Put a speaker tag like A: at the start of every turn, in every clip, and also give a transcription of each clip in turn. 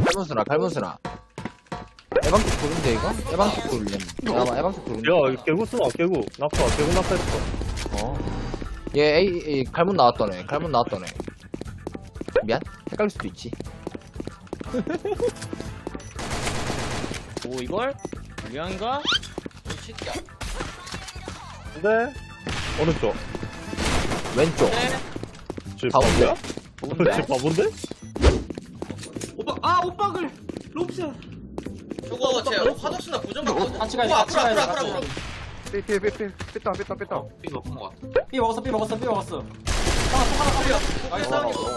A: 갈문수나. 에방쪽 돌인데, 이거? 에방쪽 돌리네. 잠깐만, 에방쪽 돌린다.
B: 야, 개구 쓰나, 개구. 개구 낙하했어.
A: 얘, 갈문 나왔더네. 미안? 헷갈릴 수도 있지.
C: 오 이걸? 유양인가?
B: 근데, 어느 쪽?
A: 왼쪽.
B: 쟤
A: 가운데.
B: 바보야? 쟤 바본데?
D: 오빠 그래. 롭스야.
E: 저거 제 화덕수나 고정 받거든.
C: 같이 가야지,
E: 어,
C: 같이
E: 앞으로
C: 가야지,
E: 앞으로
C: 같이
E: 앞으로.
F: 삐삐삐삐 삐딱
D: 삐 먹은 거 같아.
C: 삐 먹었어 삐 먹었어.
E: 나이스.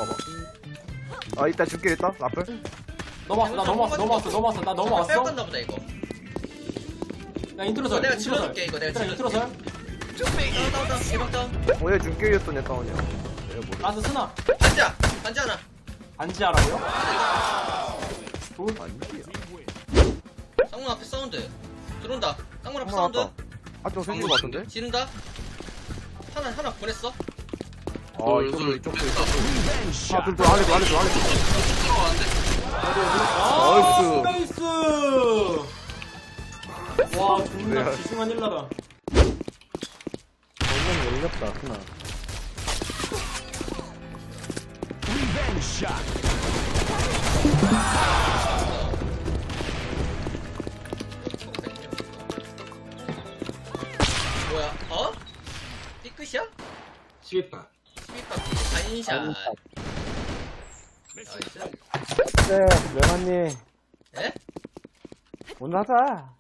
F: 아 이따 줄게 있다 라플
C: 넘어왔어 나 넘어왔어 나 넘어왔어.
E: 빼앗 간다 보다 이거.
C: 야 인트로설.
E: 내가 질러줄게 이거 내가 질러줄게.
C: 인트로설.
E: 다운 대박 다운.
F: 오늘 줄게였던 애 다운이야
C: 라스 스나.
E: 반지야 반지 하나.
C: 반지하라고요?
E: 쌍문 앞에 사운드. 들어온다. 쌍문 앞에
F: 쌍문
E: 사운드.
F: 왔다. 한쪽 생긴 거 같은데?
E: 지른다. 하나 보냈어.
F: 아 이쪽도 이쪽도 아 둘둘 아래도 나이스
C: 나이스. 와 존나 지승한 일라다.
B: 정말 열렸다, 하나.
E: 뭐야? 어? 삐끗이야?
D: 12파.
E: 12바퀴 반인샷. 나이스.
B: 네, 명환님.
E: 에?
B: 오늘 하자.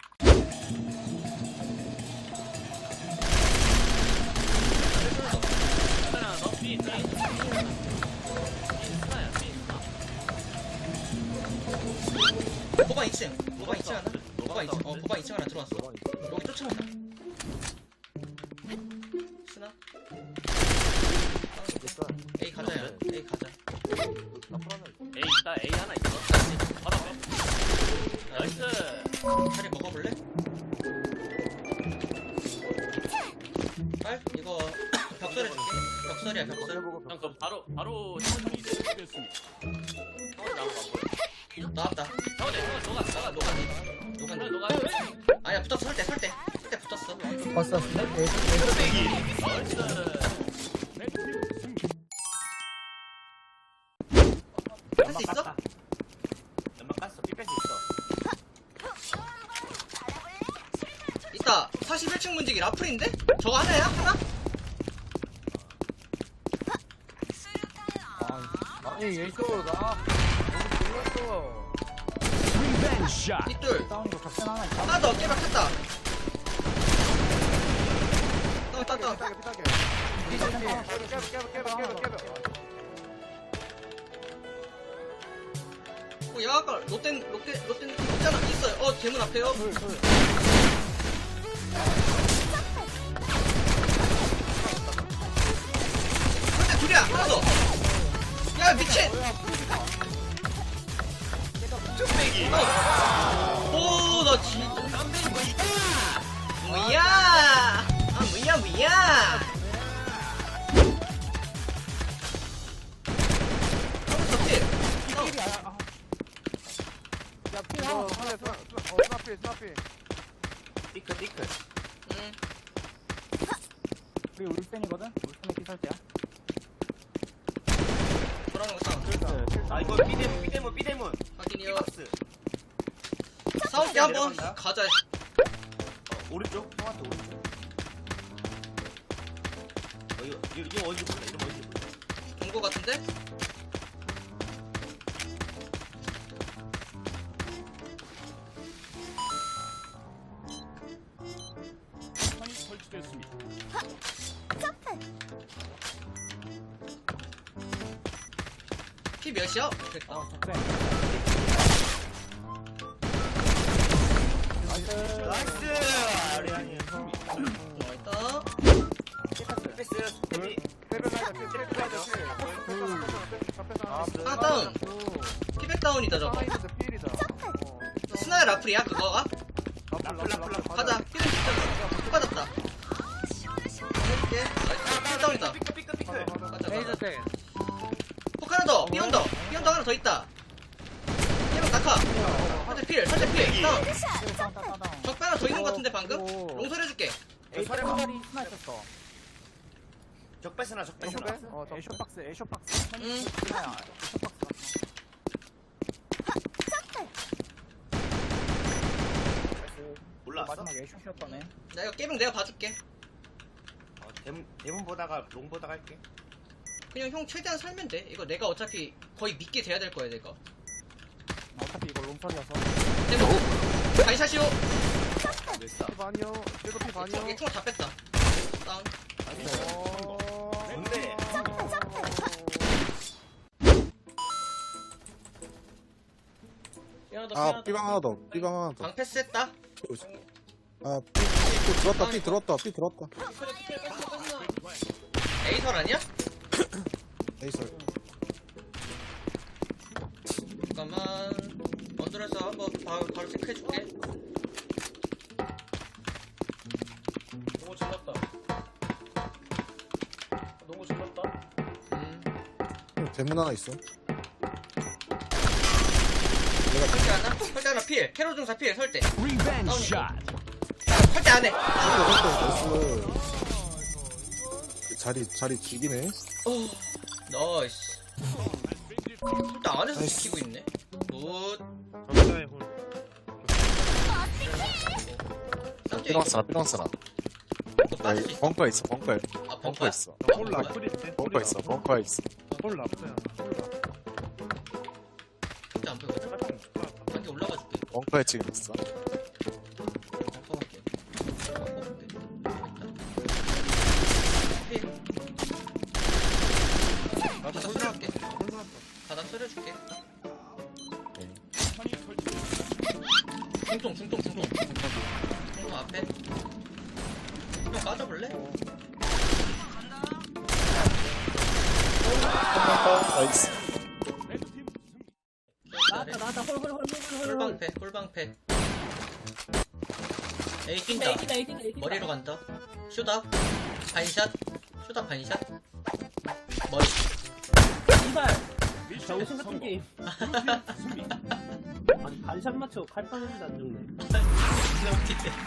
E: 보방 2층. 보방 2층 하나? 보방 2층. 보방 2층 하나 들어왔어. 여기 쫓아온다. 스나? A 가자야. A 가자.
C: A 있다 A 하나 있어. 나이스.
E: 차례 먹어볼래? 빨? 이거 벽설 해줄게. 벽설이야 벽설.
C: 형 그럼 바로 형이 됐습니다.
E: 나왔다. 녹았네. 아니야 붙었어 설때 붙었어. 할 수 있어?
C: 연막 깠어. 삐뺄 수 있어.
E: 있다. 41층 문지기 라플인데? 저거 하나야? 하나?
A: 아니, 예쇼, 나.
E: 뒷둘. 하나 더 깨박했다. 다운. 야 아까 롯데 있잖아. 있어요. 대문 앞에요. 근데 둘이야. 하나 더. 야 미친. 오나 진짜 뭐야? 뭐야?
C: 삐끗.
E: 응.
C: 우리 울펜이거든. 울펜의 피살자야.
E: 돌아오는 거 싸움.
C: 아 이거 삐대문.
E: 확인이요. 싸울게 한번 가자.
C: 오른쪽. 형한테 오른쪽. 이거 어디 볼래? 이거 어디 볼래?
E: 본 거 같은데? 피 몇이야? 됐다. 있다. 하나 다운. 피백 다운이다 저거. 스나야 라플이야 그거가? 가자. 피백 진짜 받았다. 해줄게. 피백 다운이다. 가자. 폭 하나 더. 삐온더 하나 더 있다. 얘만 아카. 설대 필. 다운. 적배 하나 더 있는 거 같은데 방금? 롱설 해줄게.
C: 에이 설해봐. 적배스나 적배스나.
E: 응.
C: 몰랐어?
E: 나 이거 게임 내가 봐줄게.
C: 대문 보다가 롱 보다가 할게.
E: 그냥 형 최대한 살면 돼. 이거 내가 어차피 거의 믿게 돼야 될 거야 내가.
B: 어차피 이거 롱선이어서.
E: 대문. 바이샷이오.
C: 됐어.
B: 반이요. 삐도 피 반이요.
E: 얘 총알 다 뺐다. 다운.
C: 뭔데?
G: 아, 삐방 하나 더. 삐방 하나 더.
E: 방 패스했다.
G: 아, 삐 들어왔다. 삐 들어왔다. 삐 들어왔다.
E: 에이설 아니야?
G: 에이설.
E: 잠깐만. 언더에서 한번 바로 체크해줄게.
D: 너무 질렀다. 너무 질렀다.
G: 대문 하나 있어.
E: 설대 하나 필. 캐롤 중사 필. 설대. 다운이고. 설대 안 해.
G: 나이스. 자리 죽이네.
E: 나이스. 설대 안에서
G: 나이스.
E: 지키고 있네. 굿. 쌍둥이.
G: 삐렁스나.
E: 또 빠지지.
G: 벙커 있어. 벙커에.
E: 아,
G: 벙커 있어.
E: 몰라.
G: 벙커 있어. 벙커 있어.
E: 설대 안 보여. 한개 올라가 줄게.
G: 벙커에 지금 있어.
E: 바닥 쓸어줄게. 바닥 쓸어줄게. 중통. 중통 앞에. 형 빠져볼래?
G: 나이스.
D: 나왔다.
E: 홀방패. 에이 뛴다. 머리로 간다. 슛업. 반샷. 머리.
D: 이발. 정신 같은 게임. 아니 반샷 맞춰 칼빵인데 안 죽네.
E: 진짜 웃기네.